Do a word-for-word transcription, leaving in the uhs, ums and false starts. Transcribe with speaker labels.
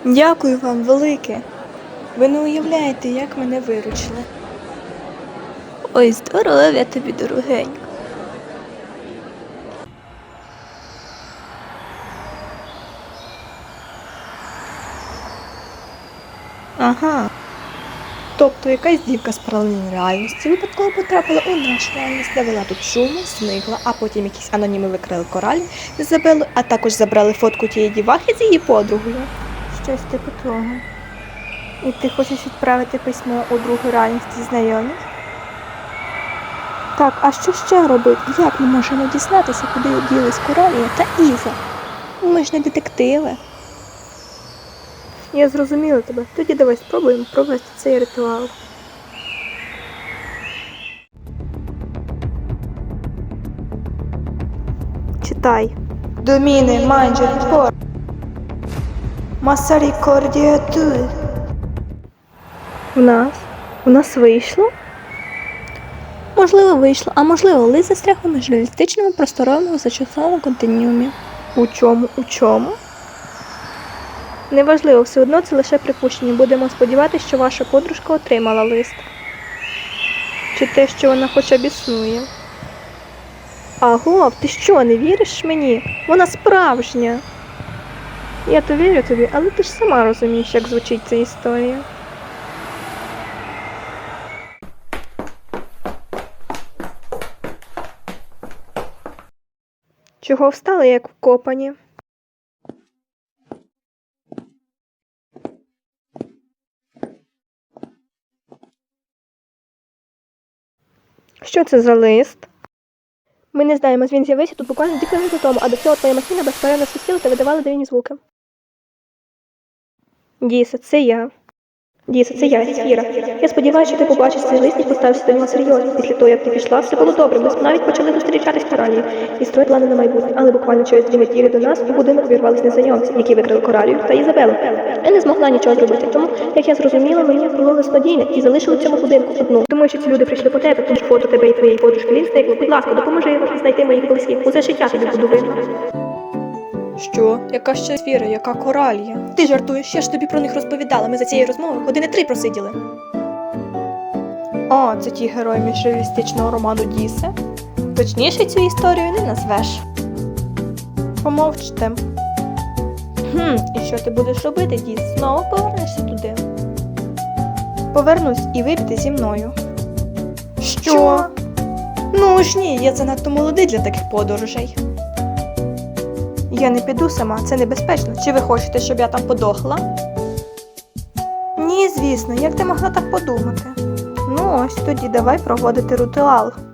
Speaker 1: Дякую вам велике. Ви не уявляєте, як мене виручили. Ой, здоров'я тобі, дорогенько. Ага. Тобто якась дівка з паралельної реальності випадково потрапила у нашу реальність, навела тут шуму, зникла, а потім якісь аноніми викрили коралі, забили, а також забрали фотку тієї дівахи з її подругою. Щось типу того. І ти хочеш відправити письмо у другу реальність зі знайомих? Так, а що ще робити? Як ми можемо дізнатися, куди ділись Коралія та Іза? Ми ж не детективи. Я зрозуміла тебе. Тоді давай спробуємо провести цей ритуал. Читай. Доміне манджер пор. Масарі кордіатур. В нас? У нас вийшло? Можливо, вийшло, а можливо, лист застряг у міжреалістичному просторовому зачасовому континіумі. У чому? У чому? Неважливо, все одно це лише припущення. Будемо сподіватися, що ваша подружка отримала лист. Чи те, що вона хоча б існує. Агов, ти що, не віриш мені? Вона справжня. Я то вірю тобі, але ти ж сама розумієш, як звучить ця історія. Чого встали, як вкопані? Що це за лист? Ми не знаємо, він з'явився тут буквально декілька хвилин тому, а до цього твоя машина безперервно свистіла та видавала дивні звуки. Діса, це я. Діса, це я, Сіра. Я сподіваюся, що ти побачиш цей лист і поставишся до нього серйозно. Після того, як ти пішла, все було добре. Ми навіть почали зустрічатись в Коралії і строїти плани на майбутнє. Але буквально через дві неділі до нас у будинок увірвались незнайомці, які викрили Коралію та Ізабелу. Я не змогла нічого зробити, тому, як я зрозуміла, мені було лиснодійне і залишили в цьому будинку одну. Думаю, що ці люди прийшли по тебе, тому що фото тебе і твоєї подружки Лін зникло. Будь ласка, допоможи знайти моїх близьких. Усе життя тобі буду винна. Що? Яка ще Сфера, яка Коралія? Ти жартуєш, я ж тобі про них розповідала. Ми за цією розмовою години три просиділи. О, це ті герої міжреалістичного роману Дісе? Точніше цю історію не назвеш. Помовчте. Хм, і що ти будеш робити, Діс? Знову повернешся туди? Повернусь і вип'єте зі мною. Що? Ну ж ні, я занадто молодий для таких подорожей. Я не піду сама, це небезпечно. Чи ви хочете, щоб я там подохла? Ні, звісно, як ти могла так подумати? Ну ось, тоді давай проводити ритуал.